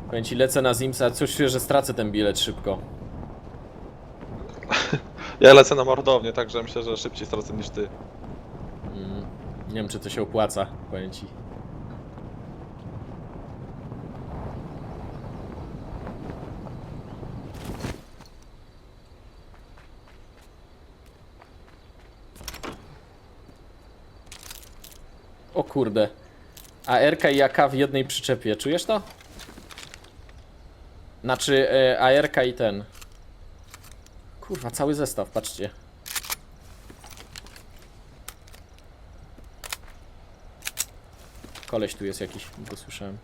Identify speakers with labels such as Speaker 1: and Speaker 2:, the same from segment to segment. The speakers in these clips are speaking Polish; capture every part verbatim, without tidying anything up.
Speaker 1: Powiem ci, lecę na Zimsa, coś czuję, że stracę ten bilet szybko.
Speaker 2: Ja lecę na mordownię, także myślę, że szybciej stracę niż ty.
Speaker 1: Mm, nie wiem, czy to się opłaca, powiem ci. O kurde. A R K i A K w jednej przyczepie, czujesz to? Znaczy e, A R K i ten. Kurwa, cały zestaw, patrzcie. Koleś tu jest jakiś, go słyszałem.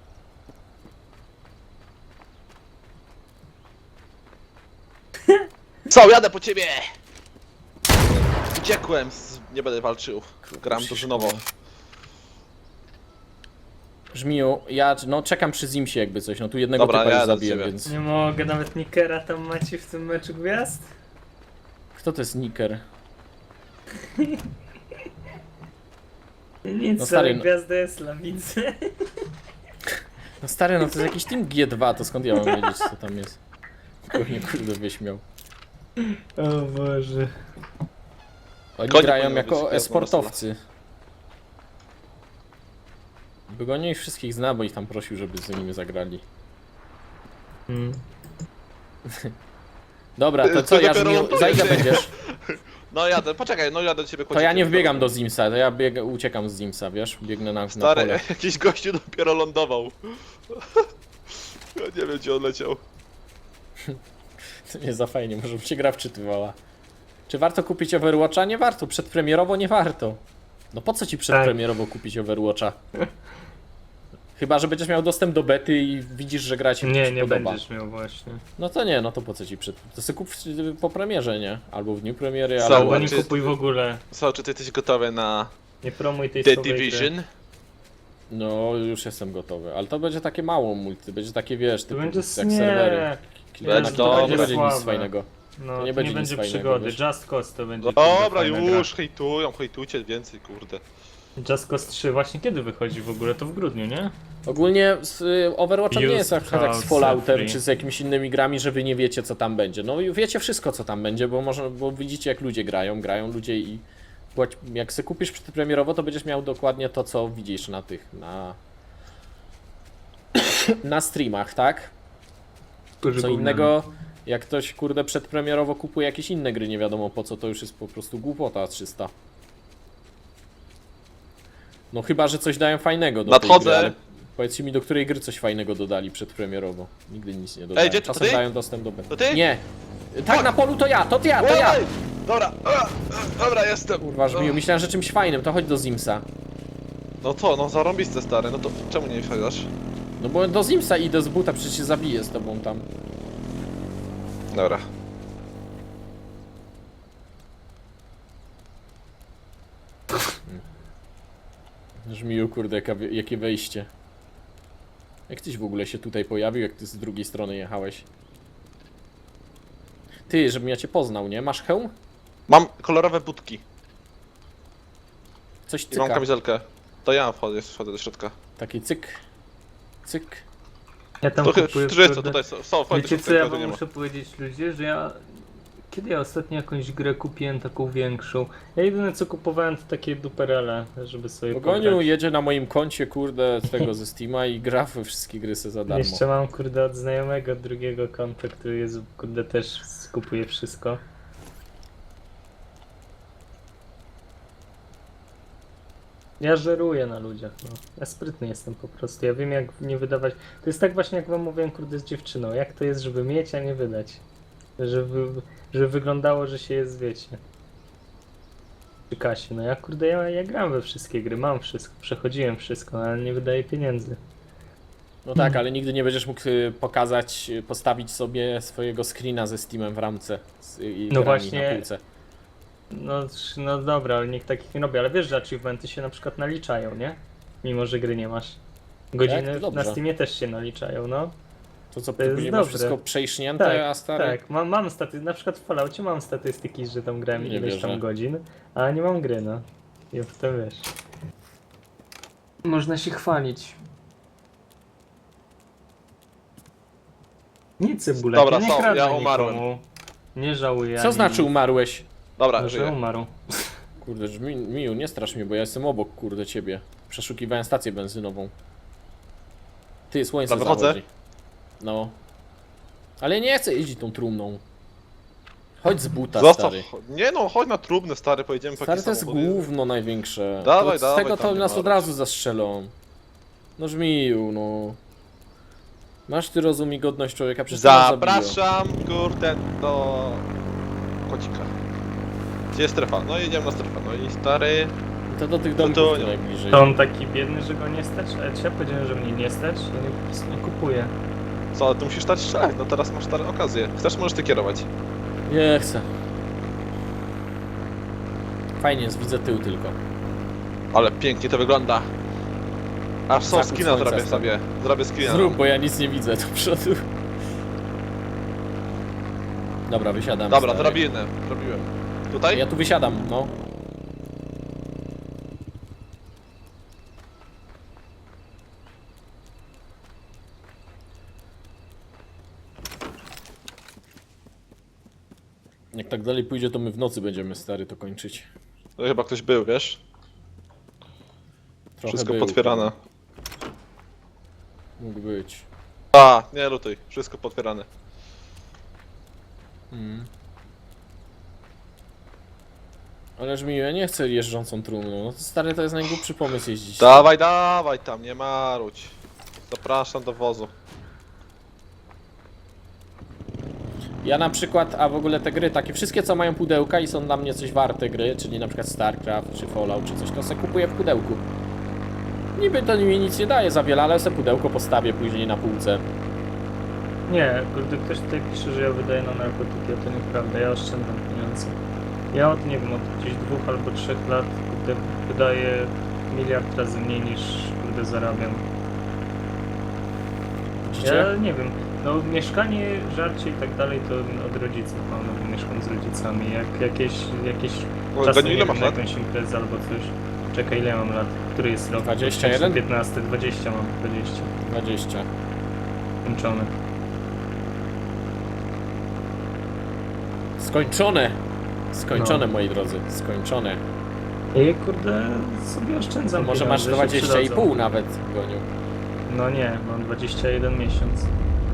Speaker 2: Co, jadę po ciebie! Uciekłem, z... nie będę walczył. Gram drużynowo.
Speaker 1: Żmiju, ja no czekam przy Zimsie jakby coś, no tu jednego
Speaker 2: Dobra,
Speaker 1: typa
Speaker 2: ja
Speaker 1: już
Speaker 2: jadę do
Speaker 1: zabiję,
Speaker 2: ciebie.
Speaker 1: więc...
Speaker 3: Nie mogę, nawet Nickera tam macie w tym meczu gwiazd?
Speaker 1: Kto to jest Nicker?
Speaker 3: Nic,
Speaker 1: No
Speaker 3: no
Speaker 1: stary,
Speaker 3: ale
Speaker 1: no-
Speaker 3: gwiazda jest lawicy.
Speaker 1: No stary, no to jest jakiś Team G dwa, to skąd ja mam wiedzieć co tam jest? Pewnie kurde wyśmiał.
Speaker 3: O Boże.
Speaker 1: Oni
Speaker 2: Konie
Speaker 1: grają
Speaker 2: powinno być
Speaker 1: jako
Speaker 2: gwiazdą
Speaker 1: e-sportowcy. By go nie ich wszystkich zna, bo ich tam prosił, żeby z nimi zagrali.
Speaker 3: Hmm.
Speaker 1: Dobra, to co,
Speaker 2: To
Speaker 1: ja
Speaker 2: dopiero
Speaker 1: Żmiju,
Speaker 2: ląduje,
Speaker 1: za ile
Speaker 2: ty.
Speaker 1: będziesz?
Speaker 2: No jadę, poczekaj, no jadę do ciebie
Speaker 1: To ja nie wbiegam do Zimsa, to ja bieg, uciekam z Zimsa, wiesz? Biegnę na, na
Speaker 2: Stary,
Speaker 1: pole.
Speaker 2: jakiś gościu dopiero lądował. Ja nie wiem, gdzie on leciał.
Speaker 1: To nie za fajnie, może by się gra wczytywała. Czy warto kupić Overwatcha? Nie warto, przedpremierowo nie warto. No po co ci przedpremierowo kupić Overwatcha? Chyba, że będziesz miał dostęp do bety i widzisz, że gra ci się
Speaker 3: Nie, nie
Speaker 1: podoba.
Speaker 3: będziesz miał właśnie.
Speaker 1: No to nie, no to po co ci przed... To sobie kup w- po premierze, nie? Albo w dniu premiery,
Speaker 2: Co,
Speaker 1: albo...
Speaker 3: Albo nie
Speaker 2: czy-
Speaker 3: kupuj w ogóle.
Speaker 2: Co, czy ty jesteś gotowy na
Speaker 3: Nie promuj tej
Speaker 2: The
Speaker 3: słabej gry.
Speaker 2: Division?
Speaker 1: No, już jestem gotowy, ale to będzie takie mało multi, będzie takie, wiesz,
Speaker 3: To
Speaker 1: typu
Speaker 3: będzie
Speaker 1: jak
Speaker 3: nie.
Speaker 1: serwery. Kilka
Speaker 2: Będzie
Speaker 1: na
Speaker 2: dobre.
Speaker 1: to nie będzie nic
Speaker 3: Słabe.
Speaker 1: fajnego.
Speaker 3: No,
Speaker 1: To nie
Speaker 3: nie
Speaker 1: będzie
Speaker 3: będzie,
Speaker 1: nic fajnego,
Speaker 3: przygody.
Speaker 1: wiesz.
Speaker 3: Just Cause to będzie.
Speaker 2: Dobra,
Speaker 3: kurde, fajna gra.
Speaker 2: już, hejtują, hejtujcie więcej, kurde.
Speaker 3: Just Cause trzy właśnie kiedy wychodzi w ogóle? To w grudniu, nie?
Speaker 1: Ogólnie z y, Overwatchem nie
Speaker 3: Use
Speaker 1: jest jak, jak z
Speaker 3: Cloud
Speaker 1: Falloutem
Speaker 3: Free.
Speaker 1: czy z jakimiś innymi grami, że wy nie wiecie co tam będzie. No i wiecie wszystko co tam będzie, bo może, bo widzicie jak ludzie grają, grają ludzie i płać- jak sobie kupisz przedpremierowo, to będziesz miał dokładnie to co widzisz na tych, na na streamach, tak? Co innego, jak ktoś kurde przedpremierowo kupuje jakieś inne gry, nie wiadomo po co, to już jest po prostu głupota trzysta. No chyba, że coś dają fajnego do
Speaker 2: Nadchodzę.
Speaker 1: tej gry, ale powiedzcie mi, do której gry coś fajnego dodali przedpremierowo. Nigdy nic nie dodali.
Speaker 2: Ej, gdzie to
Speaker 1: Czasem
Speaker 2: ty?
Speaker 1: dają dostęp do bety.
Speaker 2: To ty?
Speaker 1: Nie! Tak, na polu to ja, to ja, to ja!
Speaker 2: Oj! Dobra, a, a, dobra, jestem.
Speaker 1: Kurwa, żmiu, myślałem, że czymś fajnym, to chodź do Zimsa.
Speaker 2: No to, no zarąbiste stary, no to czemu nie wsiadasz?
Speaker 1: No bo do Zimsa idę z buta, przecież się zabiję z tobą tam.
Speaker 2: Dobra.
Speaker 1: Żmiu, kurde, jaka, jakie wejście. Jak tyś w ogóle się tutaj pojawił, jak ty z drugiej strony jechałeś? Ty, żebym ja cię poznał, nie? Masz hełm?
Speaker 2: Mam kolorowe budki
Speaker 1: Coś
Speaker 2: i mam
Speaker 1: cyka.
Speaker 2: kamizelkę. To ja wchodzę, wchodzę do środka.
Speaker 1: Taki cyk. Cyk.
Speaker 3: Ja tam
Speaker 2: To
Speaker 3: kupuję.
Speaker 2: którzy co
Speaker 3: kurde.
Speaker 2: tutaj są? Są, wchodź do
Speaker 3: Wiecie co
Speaker 2: środka,
Speaker 3: ja
Speaker 2: tu
Speaker 3: wam
Speaker 2: nie ma.
Speaker 3: muszę powiedzieć ludzie, że ja... Kiedy ja ostatnio jakąś grę kupiłem taką większą? Ja jedyne co kupowałem to takie duperele, żeby sobie
Speaker 1: Pogoniu
Speaker 3: pograć.
Speaker 1: jedzie na moim koncie, kurde, z tego ze Steama i gra we wszystkie gry se za darmo.
Speaker 3: Jeszcze mam kurde od znajomego od drugiego konta, który jest kurde też skupuje wszystko. Ja żeruję na ludziach, no. Ja sprytny jestem po prostu, ja wiem jak nie wydawać. To jest tak właśnie jak wam mówiłem kurde z dziewczyną, jak to jest żeby mieć, a nie wydać. Żeby, żeby wyglądało, że się jest, wiecie. Przy kasie, no ja kurde, ja, ja gram we wszystkie gry, mam wszystko, przechodziłem wszystko, ale nie wydaję pieniędzy.
Speaker 1: No tak, ale nigdy nie będziesz mógł y, pokazać, y, postawić sobie swojego screena ze Steamem w ramce z, i
Speaker 3: No
Speaker 1: grami
Speaker 3: właśnie.
Speaker 1: na półce.
Speaker 3: No, sz- no dobra, ale niech takich nie robię, ale wiesz, że achievementy się na przykład naliczają, nie? Mimo, że gry nie masz. Godziny
Speaker 1: Tak? To dobrze.
Speaker 3: na Steamie też się naliczają, no.
Speaker 1: To co,
Speaker 3: To jest
Speaker 1: później masz
Speaker 3: dobre.
Speaker 1: wszystko przejśnięte,
Speaker 3: Tak,
Speaker 1: a stary...
Speaker 3: tak, mam, mam staty, na przykład w Falloutie mam statystyki, że tam grałem
Speaker 1: Nie
Speaker 3: ileś
Speaker 1: wierzę.
Speaker 3: tam godzin, a nie mam gry, no. I potem wiesz. Można się chwalić. Nie cebulek,
Speaker 2: Dobra,
Speaker 3: ja nie
Speaker 2: są,
Speaker 3: kradnę
Speaker 2: ja umarłem.
Speaker 3: nikomu. Nie żałuję.
Speaker 1: Co
Speaker 3: ani
Speaker 1: znaczy
Speaker 3: nic.
Speaker 1: umarłeś?
Speaker 2: Dobra,
Speaker 3: No, że
Speaker 2: żyję.
Speaker 3: umarł.
Speaker 1: Kurde, że mi, Miu, nie strasz mnie, bo ja jestem obok, kurde, ciebie. Przeszukiwałem stację benzynową. Ty, słońce
Speaker 2: Dobra, wychodzę.
Speaker 1: zachodzi. No. Ale ja nie chcę jeździć tą trumną. Chodź z buta,
Speaker 2: Zostaw.
Speaker 1: stary.
Speaker 2: Nie no, chodź na trumny, stary, pojedziemy po
Speaker 1: Stary,
Speaker 2: jakieś
Speaker 1: to jest
Speaker 2: samochody.
Speaker 1: gówno największe.
Speaker 2: Dawaj,
Speaker 1: to, z
Speaker 2: dawaj,
Speaker 1: tego
Speaker 2: tam
Speaker 1: to
Speaker 2: nie
Speaker 1: nas
Speaker 2: marudź.
Speaker 1: od razu zastrzelą. No żmiju, no. Masz ty rozum i godność człowieka, przecież to nas zabiją.
Speaker 2: Zapraszam, kurde, do kocika. Gdzie jest strefa? No jedziemy na strefę. No i stary...
Speaker 1: To do tych
Speaker 2: to
Speaker 1: domków
Speaker 2: nie.
Speaker 1: tu najbliżej.
Speaker 3: To on taki biedny, że go nie stać? Ale ja powiedziałem, że mnie nie stać, to nie, po prostu nie kupuję.
Speaker 2: Co, ale ty musisz stać strzelać, no teraz masz stare okazję. Chcesz, możesz ty kierować.
Speaker 1: Nie chcę. Fajnie jest, widzę tył tylko.
Speaker 2: Ale pięknie to wygląda. Aż są
Speaker 1: Zachód
Speaker 2: skina
Speaker 1: słońca
Speaker 2: zrobię
Speaker 1: stary.
Speaker 2: sobie. Zrobię skina.
Speaker 1: Zrób, bo ja nic nie widzę do przodu. Dobra, wysiadam.
Speaker 2: Dobra,
Speaker 1: stary.
Speaker 2: drabinę. Zrobiłem. Tutaj?
Speaker 1: Ja tu wysiadam, no. Jak tak dalej pójdzie, to my w nocy będziemy, stary, to kończyć.
Speaker 2: No chyba ktoś był, wiesz?
Speaker 1: Trochę
Speaker 2: Wszystko
Speaker 1: był,
Speaker 2: potwierane.
Speaker 1: Mógł być.
Speaker 2: A, nie lutuj. Wszystko potwierane.
Speaker 1: Mm. Ależ mi, ja nie chcę jeżdżącą trumną. No to stary, to jest najgłupszy pomysł jeździć.
Speaker 2: Dawaj, dawaj tam, nie marudź. Zapraszam do wozu.
Speaker 1: Ja na przykład, a w ogóle te gry, takie wszystkie co mają pudełka i są dla mnie coś warte gry, czyli na przykład StarCraft czy Fallout czy coś, to sobie kupuję w pudełku. Niby to mi nic nie daje za wiele, ale sobie pudełko postawię później na półce.
Speaker 3: Nie, kurde, ktoś tutaj pisze, że ja wydaję na narkotyki, a to nieprawda, ja oszczędzam pieniądze. Ja od, nie wiem, od gdzieś dwóch albo trzech lat, kurde, wydaję miliard razy mniej niż, kurde, zarabiam.
Speaker 1: Widzicie?
Speaker 3: Ja nie wiem, no mieszkanie, żarcie i tak dalej to od rodziców mam, no bo mieszkam z rodzicami. Jak jakieś, jakieś
Speaker 2: O,
Speaker 3: czasem
Speaker 2: Goniu,
Speaker 3: nie
Speaker 2: ile
Speaker 3: wiem,
Speaker 2: masz
Speaker 3: na
Speaker 2: lat?
Speaker 3: jakąś imprezę albo coś. Czekaj, ile mam lat? Który jest rok?
Speaker 1: dwadzieścia jeden?
Speaker 3: piętnaście, dwadzieścia mam, dwadzieścia.
Speaker 1: dwadzieścia.
Speaker 3: Kończony.
Speaker 1: Skończone! Skończone,
Speaker 3: No.
Speaker 1: moi drodzy, skończone.
Speaker 3: I kurde, sobie
Speaker 1: To
Speaker 3: oszczędzam
Speaker 1: może masz
Speaker 3: pieniądze, się
Speaker 1: dwadzieścia i pół
Speaker 3: przydadzą.
Speaker 1: nawet, Goniu.
Speaker 3: No nie, mam dwadzieścia jeden miesiąc.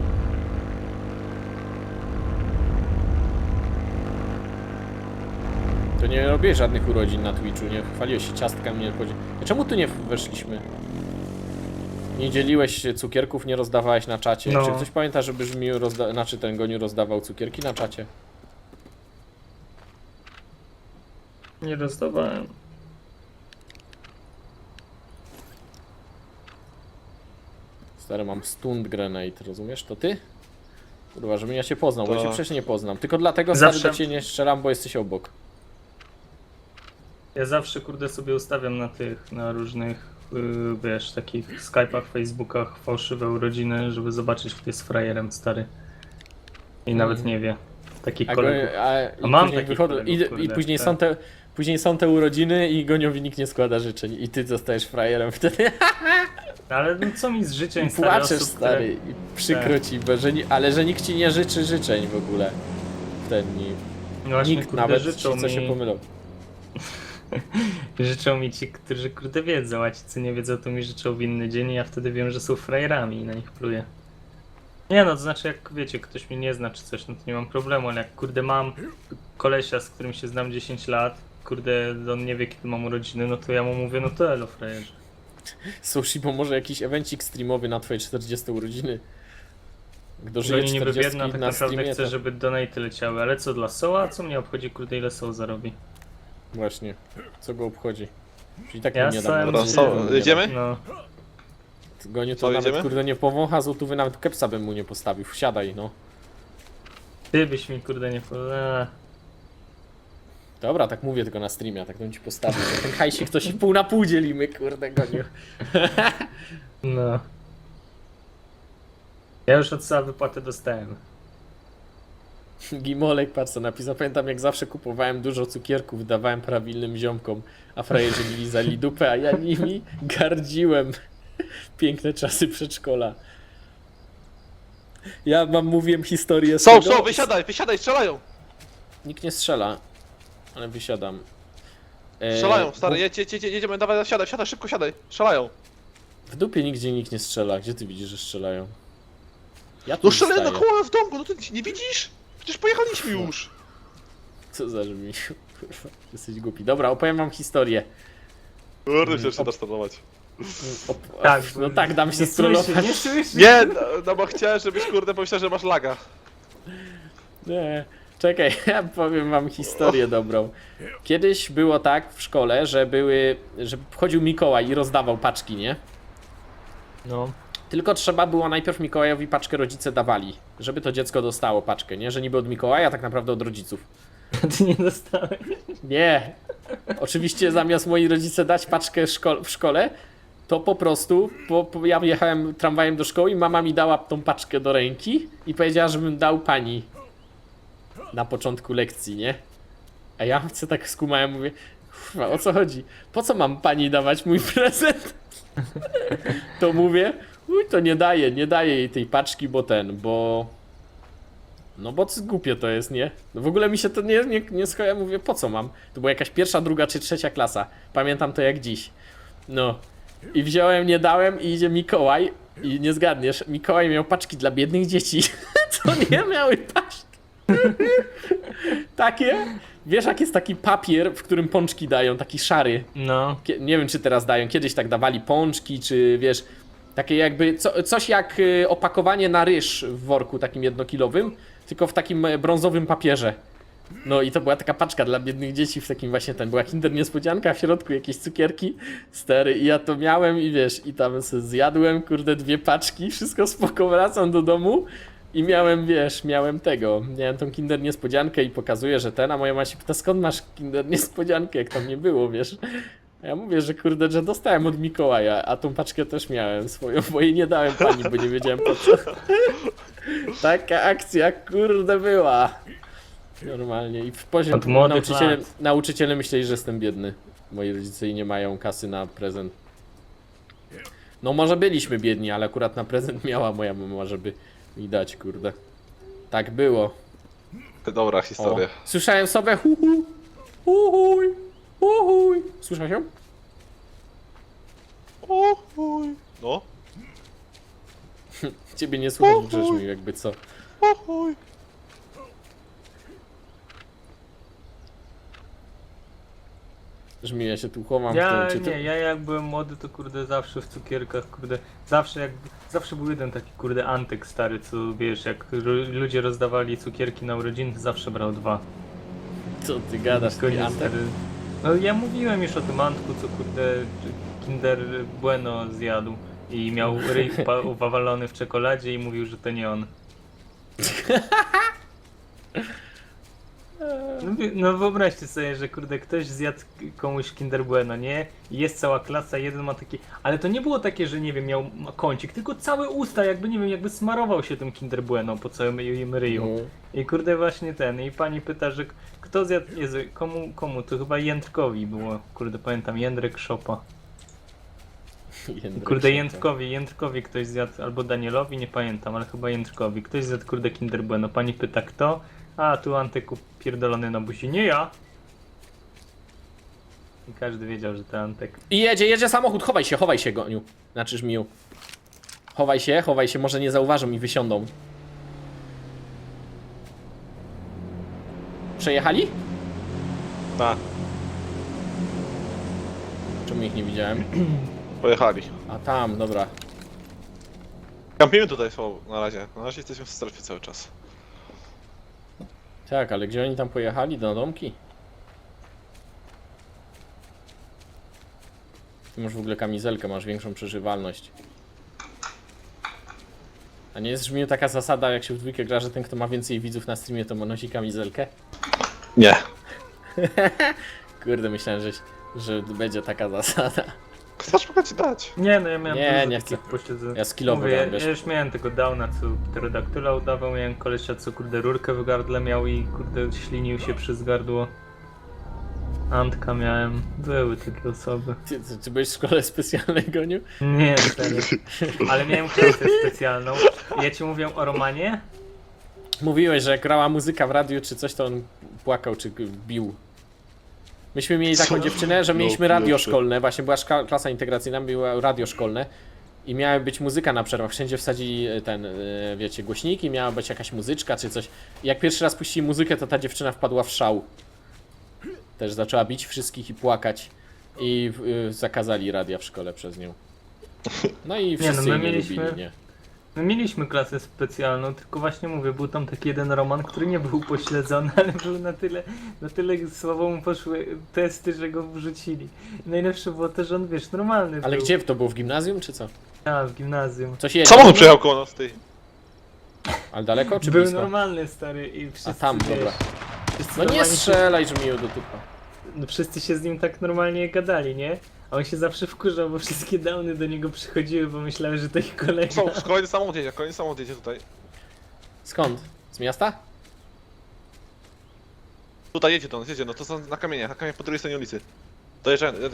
Speaker 1: To nie robię żadnych urodzin na Twitchu, nie chwaliłeś się ciastkami, nie chodzi. Czemu tu nie weszliśmy? Nie dzieliłeś się cukierków, nie rozdawałeś na czacie.
Speaker 3: No.
Speaker 1: Czy ktoś pamięta, żeby Żmiu rozda... znaczy ten Goniu rozdawał cukierki na czacie?
Speaker 3: Nie rozdawałem.
Speaker 1: Stary, mam stun grenade, rozumiesz? To ty? Kurwa, żebym ja cię poznał, bo ja cię
Speaker 2: Tak.
Speaker 1: przecież nie poznam. Tylko dlatego stary
Speaker 3: Zawsze-
Speaker 1: do ciebie nie strzelam, bo jesteś obok.
Speaker 3: Ja zawsze kurde sobie ustawiam na tych, na różnych, yy, wiesz, takich Skype'ach, Facebookach fałszywe urodziny, żeby zobaczyć, kto jest frajerem stary. I nawet
Speaker 1: Mhm.
Speaker 3: nie wie. Takich
Speaker 1: A, go,
Speaker 3: kolegów.
Speaker 1: a,
Speaker 3: A
Speaker 1: i
Speaker 3: mam
Speaker 1: później
Speaker 3: takich
Speaker 1: wychodzą,
Speaker 3: kolegów,
Speaker 1: i, i
Speaker 3: kurde,
Speaker 1: później
Speaker 3: tak.
Speaker 1: są te później są te urodziny i Goniowi nikt nie składa życzeń i ty zostajesz frajerem wtedy.
Speaker 3: Ale no, co mi z życzeń
Speaker 1: I
Speaker 3: stary,
Speaker 1: płaczesz,
Speaker 3: osób,
Speaker 1: stary, i przykro
Speaker 3: Tak.
Speaker 1: ci, bo że, ni- ale że nikt ci nie życzy życzeń w ogóle. W ten dni.
Speaker 3: No właśnie,
Speaker 1: Nikt
Speaker 3: kurde,
Speaker 1: nawet
Speaker 3: życzą
Speaker 1: ci co
Speaker 3: mi,
Speaker 1: się pomylą.
Speaker 3: życzą mi ci, którzy kurde wiedzą, a ci co nie wiedzą, to mi życzą w inny dzień i ja wtedy wiem, że są frajerami i na nich pluję. Nie no, to znaczy jak wiecie, ktoś mnie nie zna czy coś, no to nie mam problemu, ale jak kurde mam kolesia, z którym się znam dziesięć lat, kurde on nie wie kiedy mam urodziny, no to ja mu mówię, no to elo frajerze.
Speaker 1: Sushi, bo może jakiś evencik streamowy na twoje czterdzieste urodziny. Kto
Speaker 3: Że
Speaker 1: żyje
Speaker 3: oni niby
Speaker 1: czterdziestki
Speaker 3: biedna, tak
Speaker 1: na
Speaker 3: naprawdę
Speaker 1: streamie,
Speaker 3: chce,
Speaker 1: to...
Speaker 3: żeby donate leciały, ale co dla Soła? Co mnie obchodzi kurde ile Soł zarobi?
Speaker 1: Właśnie, co go obchodzi. Czyli tak
Speaker 3: Ja
Speaker 1: mu nie
Speaker 3: stałem
Speaker 1: dam.
Speaker 2: Dobra,
Speaker 3: się-
Speaker 2: so, jedziemy?
Speaker 3: No,
Speaker 1: Goniu to
Speaker 2: Co,
Speaker 1: nawet
Speaker 2: jedziemy?
Speaker 1: kurde nie powącha złotówy, nawet kepsa bym mu nie postawił. Wsiadaj, no.
Speaker 3: ty byś mi kurde nie powiedział.
Speaker 1: Dobra, tak mówię tylko na streamie, tak bym ci postawił. Że ten hajsik to się pół na pół dzielimy, kurde, Goniu.
Speaker 3: No. Ja już od Soła wypłatę dostałem.
Speaker 1: Gimolek, patrz co napisał. Pamiętam jak zawsze kupowałem dużo cukierków, dawałem prawilnym ziomkom, a frajerzy mi lizali dupę, a ja nimi gardziłem. Piękne czasy przedszkola. Ja wam mówiłem historię z
Speaker 2: Są,
Speaker 1: tego.
Speaker 2: są, wysiadaj, wysiadaj, strzelają!
Speaker 1: Nikt nie strzela, ale wysiadam. E,
Speaker 2: Strzelają, stary,
Speaker 1: bu-
Speaker 2: jedź, jedź, jedź, jedziemy, dawaj, siadaj, siadaj, szybko siadaj, strzelają.
Speaker 1: W dupie nigdzie nikt nie strzela. Gdzie ty widzisz, że strzelają? Ja tu
Speaker 2: No strzelają na
Speaker 1: staję.
Speaker 2: koła w domku, no ty nie widzisz? Przecież pojechaliśmy już.
Speaker 1: Co za żmi? Kurwa, jesteś głupi. Dobra, opowiem wam historię.
Speaker 2: Kurde, chcesz się nastronować.
Speaker 1: Op-
Speaker 3: Tak,
Speaker 1: no
Speaker 3: bo
Speaker 1: tak, dam się
Speaker 3: nie słyszy,
Speaker 1: strollować.
Speaker 3: nie słyszy.
Speaker 2: Nie, no, no bo chciałem, żebyś kurde pomyślał, że masz laga.
Speaker 1: Nie, czekaj, ja powiem wam historię dobrą. Kiedyś było tak w szkole, że były, że wchodził Mikołaj i rozdawał paczki, nie?
Speaker 3: No.
Speaker 1: Tylko trzeba było najpierw Mikołajowi paczkę rodzice dawali, żeby to dziecko dostało paczkę, nie? Że niby od Mikołaja, a tak naprawdę od rodziców.
Speaker 3: Ty nie dostałeś.
Speaker 1: Nie. Oczywiście zamiast moi rodzice dać paczkę szko- w szkole, to po prostu po, po, ja jechałem tramwajem do szkoły i mama mi dała tą paczkę do ręki i powiedziała, żebym dał pani na początku lekcji, nie? A ja chcę tak skumałem, mówię, kurwa, o co chodzi? Po co mam pani dawać mój prezent? To mówię, uj, to nie daję, nie daję jej tej paczki, bo ten, bo... No bo co głupie to jest, nie? No w ogóle mi się to nie, nie, nie skoja, mówię, po co mam? To była jakaś pierwsza, druga czy trzecia klasa. Pamiętam to jak dziś. No. I wziąłem, nie dałem i idzie Mikołaj i nie zgadniesz, Mikołaj miał paczki dla biednych dzieci. Co nie miały paczki? Takie? Wiesz jak jest taki papier, w którym pączki dają, taki szary.
Speaker 3: No.
Speaker 1: Kie- Nie wiem czy teraz dają, kiedyś tak dawali pączki, czy wiesz, takie jakby, co, coś jak y, opakowanie na ryż w worku takim jednokilowym, tylko w takim e, brązowym papierze. No i to była taka paczka dla biednych dzieci w takim właśnie ten, była Kinder Niespodzianka, w środku jakieś cukierki, stery i ja to miałem i wiesz, i tam sobie zjadłem, kurde, dwie paczki, wszystko spoko, wracam do domu i miałem, wiesz, miałem tego, miałem tą Kinder Niespodziankę i pokazuję, że ten, a moja mama się pyta, skąd masz Kinder Niespodziankę, jak tam nie było, wiesz. A ja mówię, że kurde, że dostałem od Mikołaja, a tą paczkę też miałem swoją, bo jej nie dałem pani, bo nie wiedziałem po co. Taka akcja, kurde, była. Normalnie. I w poziom
Speaker 3: Od młodych
Speaker 1: nauczyciele,
Speaker 3: lat.
Speaker 1: nauczyciele myśleli, że jestem biedny. Moi rodzice i nie mają kasy na prezent. No może byliśmy biedni, ale akurat na prezent miała moja mama, żeby mi dać, kurde. Tak było.
Speaker 2: Dobra
Speaker 1: O.
Speaker 2: historia.
Speaker 1: Słyszałem sobie hu hu, hu huj, hu huj. Słyszałeś ją?
Speaker 2: O chuj. No.
Speaker 1: Ciebie nie słychać, brzmi jakby co.
Speaker 2: O chuj.
Speaker 1: Brzmi, ja się tu chowam
Speaker 3: Ja
Speaker 1: w tym, czy
Speaker 3: nie, ja jak byłem młody to kurde zawsze w cukierkach, kurde, zawsze jak, zawsze był jeden taki kurde antyk stary, co wiesz, jak ru- ludzie rozdawali cukierki na urodziny, to zawsze brał dwa.
Speaker 1: Co ty gadasz,
Speaker 3: Koniec,
Speaker 1: ty Antek?
Speaker 3: stary. No ja mówiłem już o tym Antku, co kurde Kinder Bueno zjadł i miał ryj wpa- wawalony w czekoladzie i mówił, że to nie on. No, wy- no wyobraźcie sobie, że kurde ktoś zjadł komuś Kinder Bueno, nie? I jest cała klasa, jeden ma taki... Ale to nie było takie, że nie wiem, miał ma kącik, tylko całe usta, jakby nie wiem, jakby smarował się tym Kinder Bueno po całym im ryju.
Speaker 1: No.
Speaker 3: I kurde właśnie ten, i pani pyta, że k- kto zjadł, Jezu, komu, komu, to chyba Jędrkowi było, kurde pamiętam, Jędrek Szopa.
Speaker 1: Jędrek
Speaker 3: Kurde
Speaker 1: się
Speaker 3: Jędrkowi, Jędrkowi ktoś zjadł, albo Danielowi, nie pamiętam, ale chyba Jędrkowi, ktoś zjadł kurde Kinder Bueno, pani pyta kto? A tu Antek pierdolony na buzi, nie ja! I każdy wiedział, że to Antek.
Speaker 1: I jedzie, jedzie samochód, chowaj się, chowaj się, Goniu. Znaczy Żmiu. Chowaj się, chowaj się, może nie zauważą i wysiądą. Przejechali?
Speaker 2: Na.
Speaker 1: Czemu ich nie widziałem?
Speaker 2: Pojechali.
Speaker 1: A tam, dobra.
Speaker 2: Kampimy tutaj słabo na razie. Na razie jesteśmy w strefie cały czas.
Speaker 1: Tak, ale gdzie oni tam pojechali? Do domki? Ty masz w ogóle kamizelkę, masz większą przeżywalność. A nie jest Żmiu taka zasada, jak się w dwójkę gra, że ten kto ma więcej widzów na streamie, to ma nosi kamizelkę?
Speaker 2: Nie.
Speaker 1: Kurde, myślałem, że, że będzie taka zasada.
Speaker 2: Chcesz mogę ci dać.
Speaker 3: Nie no, ja miałem
Speaker 1: Nie,
Speaker 3: dużo
Speaker 1: nie
Speaker 3: takich
Speaker 1: chcę.
Speaker 3: posiedzeń.
Speaker 1: Ja skillowo
Speaker 3: Mówię, ja,
Speaker 1: dam, wiesz.
Speaker 3: ja już miałem tego downa, co pterodaktyla udawał, miałem kolesia, co kurde rurkę w gardle miał i kurde ślinił się przez gardło. Antka miałem. Były takie osoby.
Speaker 1: Ty, ty, ty byłeś w szkole specjalnej, Goniu?
Speaker 3: Nie, serio. Ale miałem klasę specjalną. Ja ci mówię o Romanie?
Speaker 1: Mówiłeś, że jak grała muzyka w radiu czy coś, to on płakał czy bił. Myśmy mieli taką
Speaker 2: Co?
Speaker 1: dziewczynę, że
Speaker 2: No,
Speaker 1: mieliśmy radio
Speaker 2: pierwszy.
Speaker 1: szkolne, właśnie była szka- klasa integracyjna, było radio szkolne i miała być muzyka na przerwach, wszędzie wsadzili ten, e, wiecie, głośniki, miała być jakaś muzyczka czy coś. I jak pierwszy raz puścili muzykę, to ta dziewczyna wpadła w szał. Też zaczęła bić wszystkich i płakać i y, zakazali radia w szkole przez nią. No i
Speaker 3: no,
Speaker 1: wszyscy
Speaker 3: my
Speaker 1: jej nie
Speaker 3: mieliśmy-
Speaker 1: lubili, nie?
Speaker 3: My mieliśmy klasę specjalną, tylko właśnie mówię, był tam taki jeden Roman, który nie był pośledzony, ale był na tyle, na tyle słabo mu poszły testy, że go wrzucili. I najlepsze było to, że on, wiesz, normalny
Speaker 1: Ale
Speaker 3: był.
Speaker 1: gdzie? To było w gimnazjum czy co?
Speaker 3: A, w gimnazjum.
Speaker 1: Coś jedzie?
Speaker 2: Samochód przejechał koło nas, ty.
Speaker 1: Ale daleko czy
Speaker 3: Był
Speaker 1: blisko?
Speaker 3: normalny, stary, i wszyscy,
Speaker 1: A tam,
Speaker 3: wiesz,
Speaker 1: dobra.
Speaker 3: wszyscy
Speaker 1: No nie
Speaker 3: normalnie się-
Speaker 1: strzelaj, że mi do typa.
Speaker 3: No wszyscy się z nim tak normalnie gadali, nie? A on się zawsze wkurzał, bo wszystkie downy do niego przychodziły, bo myślały, że to ich kolega.
Speaker 2: Są, kolejny samochód jedzie, kolejny samochód jedzie tutaj.
Speaker 1: Skąd? Z miasta?
Speaker 2: Tutaj jedzie do nas, jedzie, no to są na kamieniach, na kamieniach po drugiej stronie ulicy. Dojeżdżają, jedzie.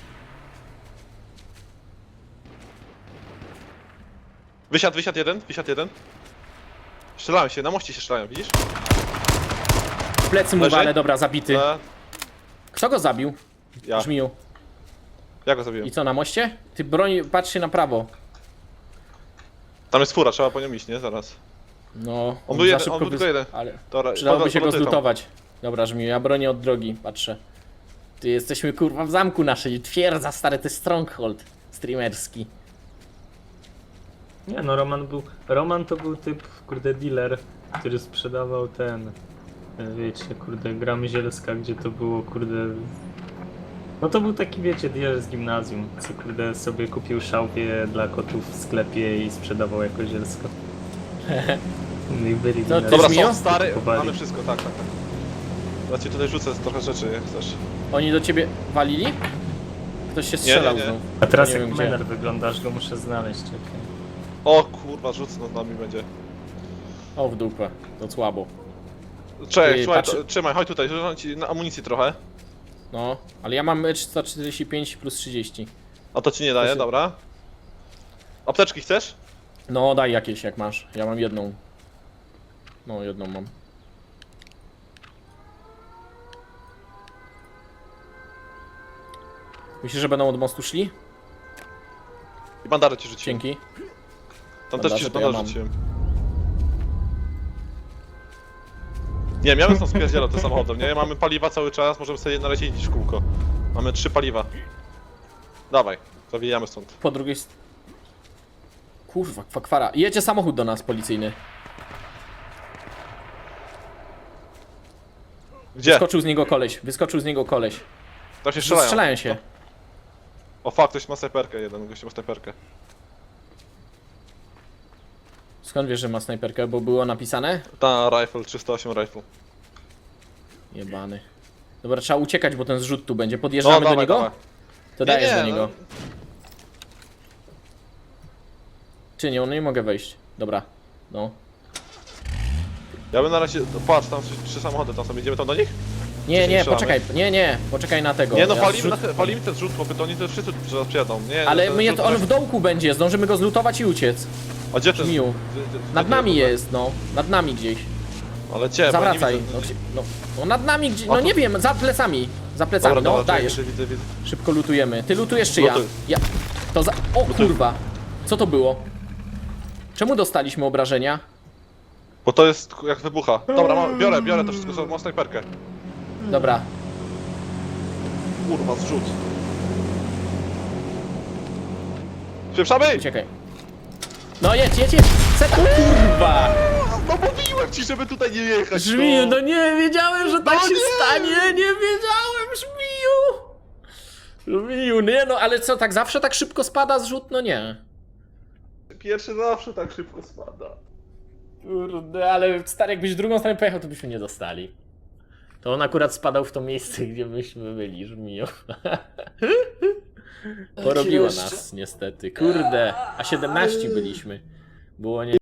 Speaker 2: Wysiadł, wysiadł jeden, wysiadł jeden. Strzelają się, na moście się strzelają, widzisz?
Speaker 1: W plecy mu
Speaker 2: Leży?
Speaker 1: wale, dobra, zabity.
Speaker 2: E,
Speaker 1: Kto go zabił?
Speaker 2: ja,
Speaker 1: Żmiju.
Speaker 2: ja go zabiłem.
Speaker 1: I co, na moście? Ty broń, patrz się na prawo.
Speaker 2: Tam jest fura, trzeba po nią iść, nie? Zaraz.
Speaker 1: No,
Speaker 2: On był
Speaker 1: za
Speaker 2: jeden,
Speaker 1: szybko
Speaker 2: on był
Speaker 1: wys-
Speaker 2: tylko jeden.
Speaker 1: Ale
Speaker 2: Dobra,
Speaker 1: przydałoby
Speaker 2: pod-
Speaker 1: się go
Speaker 2: podlatuję tam.
Speaker 1: zlutować. Dobra, Żmiju, ja bronię od drogi, patrzę. Ty jesteśmy kurwa w zamku naszej, twierdza stary, to jest stronghold streamerski.
Speaker 3: Nie no, Roman był. Roman to był typ, kurde, dealer, który sprzedawał ten. e, Wiecie, kurde, gra Myzielska, gdzie to było, kurde. No to był taki, wiecie, dealer z gimnazjum, co kurde sobie kupił szałwię dla kotów w sklepie i sprzedawał jako zielsko. No i byli
Speaker 1: Co,
Speaker 3: dealerzy.
Speaker 1: ty
Speaker 2: Dobra,
Speaker 1: Żmiju?
Speaker 2: są stary,
Speaker 3: Kupowali.
Speaker 2: mamy wszystko, tak, tak, tak. Ja ci tutaj rzucę trochę rzeczy, jak chcesz.
Speaker 1: Oni do ciebie walili? Ktoś się
Speaker 2: Nie,
Speaker 1: strzelał
Speaker 2: nie, nie.
Speaker 1: znów.
Speaker 3: A teraz
Speaker 1: nie
Speaker 3: jak
Speaker 1: wiem gdzie.
Speaker 3: Mener wyglądasz, go muszę znaleźć, czekaj.
Speaker 2: O kurwa, rzuc nad nami będzie.
Speaker 1: O w dupę, to słabo.
Speaker 2: Cześć,
Speaker 1: Ty,
Speaker 2: słuchaj,
Speaker 1: patrz-
Speaker 2: to, trzymaj, chodź tutaj, rzucam ci na amunicji trochę.
Speaker 1: No, ale ja mam sto czterdzieści pięć plus trzydzieści.
Speaker 2: A to ci nie daje,
Speaker 1: się-
Speaker 2: dobra. Apteczki chcesz?
Speaker 1: No daj jakieś jak masz, ja mam jedną. No jedną mam. Myślisz, że będą od mostu szli?
Speaker 2: I bandarę ci rzuciłem.
Speaker 1: Dzięki.
Speaker 2: Tam
Speaker 1: Bandaże
Speaker 2: też ci
Speaker 1: to ja
Speaker 2: bandarę
Speaker 1: mam.
Speaker 2: rzuciłem. Nie, miałem stąd spierdzielać tym samochodem, nie? Mamy paliwa cały czas, możemy sobie na razie iść w kółko. Mamy trzy paliwa. Dawaj, zawijamy stąd.
Speaker 1: Po drugiej st... Kurwa, kwakwara. Jedzie samochód do nas policyjny.
Speaker 2: Gdzie?
Speaker 1: Wyskoczył z niego koleś, wyskoczył z niego koleś.
Speaker 2: Tam się strzelają.
Speaker 1: Strzelają się.
Speaker 2: O fuck, ktoś ma snajperkę jeden, gość ma snajperkę.
Speaker 1: Skąd wiesz, że ma snajperkę? Bo było napisane?
Speaker 2: Ta rifle, trzysta osiem rifle.
Speaker 1: Jebany. Dobra, trzeba uciekać, bo ten zrzut tu będzie. Podjeżdżamy do
Speaker 2: dawaj,
Speaker 1: niego?
Speaker 2: dawaj.
Speaker 1: To
Speaker 2: Nie,
Speaker 1: dajesz
Speaker 2: nie,
Speaker 1: do niego.
Speaker 2: no.
Speaker 1: Czy nie, no nie mogę wejść. Dobra. No.
Speaker 2: Ja bym na razie, patrz, tam trzy, trzy samochody, tam sobie idziemy tam do nich?
Speaker 1: Nie,
Speaker 2: Czy się
Speaker 1: nie,
Speaker 2: strzelamy?
Speaker 1: poczekaj, nie, nie, poczekaj na tego.
Speaker 2: Nie no,
Speaker 1: Ja
Speaker 2: walimy,
Speaker 1: zrzut...
Speaker 2: na te, walimy ten zrzut, bo to oni to wszyscy zaraz przyjadą. Nie,
Speaker 1: Ale
Speaker 2: ten
Speaker 1: my,
Speaker 2: zrzut-
Speaker 1: on w dołku będzie, zdążymy go zlutować i uciec.
Speaker 2: A gdzie ten?
Speaker 1: Żmiu.
Speaker 2: gdzie- gdzie- gdzie
Speaker 1: Nad
Speaker 2: ten
Speaker 1: nami
Speaker 2: zrzut?
Speaker 1: jest, no. Nad nami gdzieś.
Speaker 2: Ale gdzie? Bo
Speaker 1: Zawracaj.
Speaker 2: nie widzę.
Speaker 1: No, gdzie- no, no nad nami gdzieś,
Speaker 2: O
Speaker 1: no
Speaker 2: tu.
Speaker 1: nie wiem, za plecami. Za plecami,
Speaker 2: Dobra,
Speaker 1: no
Speaker 2: dobra,
Speaker 1: dajesz.
Speaker 2: widzę, widzę, widzę.
Speaker 1: Szybko lutujemy. Ty lutujesz czy ja?
Speaker 2: Lutuj.
Speaker 1: Ja. To za... O kurwa. Co to było? Czemu dostaliśmy obrażenia?
Speaker 2: Bo to jest jak wybucha. Dobra, mam, biorę, biorę to wszystko, mam snajperkę.
Speaker 1: Dobra.
Speaker 2: Kurwa, zrzut. Spieprzamy!
Speaker 1: Uciekaj. No jedź, jedź, jedź! Seta! Kurwa!
Speaker 2: No mówiłem ci, żeby tutaj nie jechać.
Speaker 1: Żmiju, no nie wiedziałem, że tak
Speaker 2: No
Speaker 1: się
Speaker 2: nie!
Speaker 1: stanie! Nie wiedziałem, Żmiju! Żmiju, nie no, ale co, tak zawsze tak szybko spada zrzut? No nie.
Speaker 2: Pierwszy zawsze tak szybko spada.
Speaker 1: Kurde, ale stary, jakbyś drugą stronę pojechał, to byśmy nie dostali. To on akurat spadał w to miejsce, gdzie myśmy byli, Żmiju. Porobiło nas, niestety. Kurde, a siedemnaście byliśmy. Było nie...